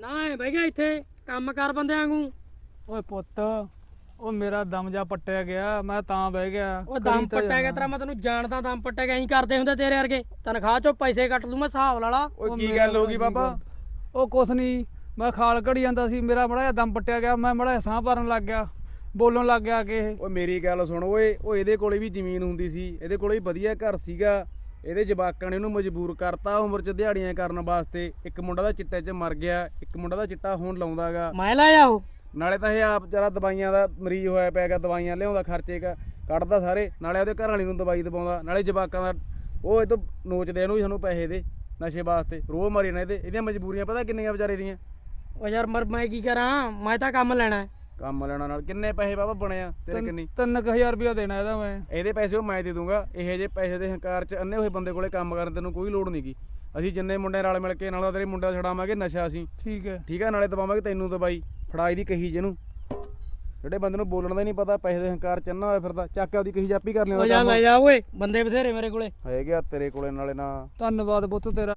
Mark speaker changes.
Speaker 1: ਨਾ ਐ ਬਹਿ ਗਿਆ ਇੱਥੇ ਕੰਮ ਕਰ ਬੰਦਿਆਂ ਵਾਂਗੂ।
Speaker 2: ਓਏ ਪੁੱਤ ਉਹ ਮੇਰਾ ਦਮ ਜਾ ਪੱਟਿਆ ਗਿਆ, ਮੈਂ ਤਾਂ ਬਹਿ ਗਿਆ।
Speaker 1: ਉਹ ਦਮ ਪੱਟਿਆ ਗਿਆ ਤੇਰਾ, ਮੈਂ ਤੈਨੂੰ ਜਾਣਦਾ ਦਮ ਪੱਟਿਆ ਗਿਆ। ਐਂ ਕਰਦੇ ਹੁੰਦੇ ਤੇਰੇ ਵਰਗੇ, ਤਨਖਾਹ ਚੋਂ ਪੈਸੇ ਕੱਟ ਲੂ ਮੈਂ ਹਿਸਾਬ ਲਾ ਲਾ।
Speaker 3: ਓਏ ਕੀ ਗੱਲ ਹੋ ਗਈ ਬਾਬਾ?
Speaker 2: ਉਹ ਕੁਛ ਨਹੀਂ, ਮੈਂ ਖਾਲ ਘੜੀ ਜਾਂਦਾ ਸੀ, ਮੇਰਾ ਮੜਾ ਜਿਹਾ ਦਮ ਪੱਟਿਆ ਗਿਆ, ਮੈਂ ਮੜਾ ਸਾਹ ਭਰਨ ਲੱਗ ਗਿਆ, ਬੋਲਣ ਲੱਗ ਗਿਆ ਕਿ ਇਹ।
Speaker 3: ਓਏ ਮੇਰੀ ਗੱਲ ਸੁਣ ਓਏ, ਉਹ ਇਹਦੇ ਕੋਲੇ ਵੀ ਜ਼ਮੀਨ ਹੁੰਦੀ ਸੀ, ਇਹਦੇ ਕੋਲੇ ਵੀ ਵਧੀਆ ਘਰ ਸੀਗਾ, ਇਹਦੇ ਜਵਾਕਾਂ ਨੇ ਇਹਨੂੰ ਮਜਬੂਰ ਕਰਤਾ ਉਮਰ 'ਚ ਦਿਹਾੜੀਆਂ ਕਰਨ ਵਾਸਤੇ। ਇੱਕ ਮੁੰਡਾ ਦਾ ਚਿੱਟੇ 'ਚ ਮਰ ਗਿਆ, ਇੱਕ ਮੁੰਡਾ ਦਾ ਚਿੱਟਾ ਹੁਣ ਲਾਉਂਦਾਗਾ।
Speaker 1: ਮੈਂ ਲਾਇਆ ਉਹ
Speaker 3: ਨਾਲੇ ਤਾਂ ਇਹ ਆਪ ਵਿਚਾਰਾ ਦਵਾਈਆਂ ਦਾ ਮਰੀਜ਼ ਹੋਇਆ ਪਿਆਗਾ, ਦਵਾਈਆਂ ਲਿਆਉਂਦਾ, ਖਰਚੇ ਕੱਢਦਾ ਸਾਰੇ, ਨਾਲੇ ਉਹਦੇ ਘਰ ਵਾਲੀ ਨੂੰ ਦਵਾਈ ਦਵਾਉਂਦਾ, ਨਾਲੇ ਜਵਾਕਾਂ ਦਾ ਉਹ ਇਹ ਤੋਂ ਨੋਚਦੇ ਇਹਨੂੰ ਵੀ ਸਾਨੂੰ ਪੈਸੇ ਦੇ ਨਸ਼ੇ ਵਾਸਤੇ। ਰੋਹ ਮਾਰੀ ਨਾ ਇਹਦੀਆਂ ਮਜਬੂਰੀਆਂ ਪਤਾ ਕਿੰਨੀਆਂ ਵਿਚਾਰੇ ਦੀਆਂ।
Speaker 1: ਉਹ ਯਾਰ ਮੈਂ ਕੀ ਕਰਾਂ, ਮੈਂ ਤਾਂ ਕੰਮ ਲੈਣਾ।
Speaker 3: ਕੰਮ ਲੈਣਾ ਨਾਲ ਕਿੰਨੇ ਪੈਸੇ ਬਾਬਾ ਬਣੇ ਆ ਤੇਰੇ? ਕਿੰਨੀ?
Speaker 2: 3000 ਰੁਪਇਆ ਦੇਣਾ ਇਹਦਾ ਮੈਂ।
Speaker 3: ਇਹਦੇ ਪੈਸੇ ਉਹ ਮੈਂ ਦੇ ਦੂੰਗਾ। ਇਹੋ ਜਿਹੇ ਪੈਸੇ ਦੇ ਹੰਕਾਰ 'ਚ ਅੰਨੇ ਹੋਏ ਬੰਦੇ ਕੋਲੇ ਕੰਮ ਕਰਨ ਤੈਨੂੰ ਕੋਈ ਲੋੜ ਨਹੀਂਗੀ। ਅਸੀਂ ਜਿੰਨੇ ਮੁੰਡੇ ਨਾਲ ਮਿਲ ਕੇ ਨਾਲ ਤੇਰੇ ਮੁੰਡਾ ਛਡਾਵਾਂਗੇ ਨਸ਼ਾ ਅਸੀਂ।
Speaker 2: ਠੀਕ ਹੈ
Speaker 3: ਠੀਕ ਹੈ, ਨਾਲੇ ਦਵਾਵਾਂਗੇ ਤੈਨੂੰ ਦਵਾਈ। ਫੜਾਈ ਦੀ ਕਹੀ ਜਿਹਨੂੰ, ਜਿਹੜੇ ਬੰਦੇ ਨੂੰ ਬੋਲਣ ਦਾ ਹੀ ਨਹੀਂ ਪਤਾ, ਪੈਸੇ ਦੇ ਹੰਕਾਰ ਚ ਅੰਨਾ ਹੋਇਆ ਫਿਰਦਾ, ਚੱਕ ਆਪਦੀ ਕਹੀ ਜਾਪੀ ਕਰ
Speaker 1: ਉਹ
Speaker 3: ਲਿਆ।
Speaker 1: ਜਾ ਲੈ ਜਾ ਓਏ, ਬੰਦੇ ਬਥੇਰੇ ਮੇਰੇ ਕੋਲੇ
Speaker 3: ਹੈਗੇ ਆ ਤੇਰੇ ਕੋਲੇ ਨਾਲੇ ਨਾ।
Speaker 2: ਧੰਨਵਾਦ ਪੁੱਤ ਤੇਰਾ।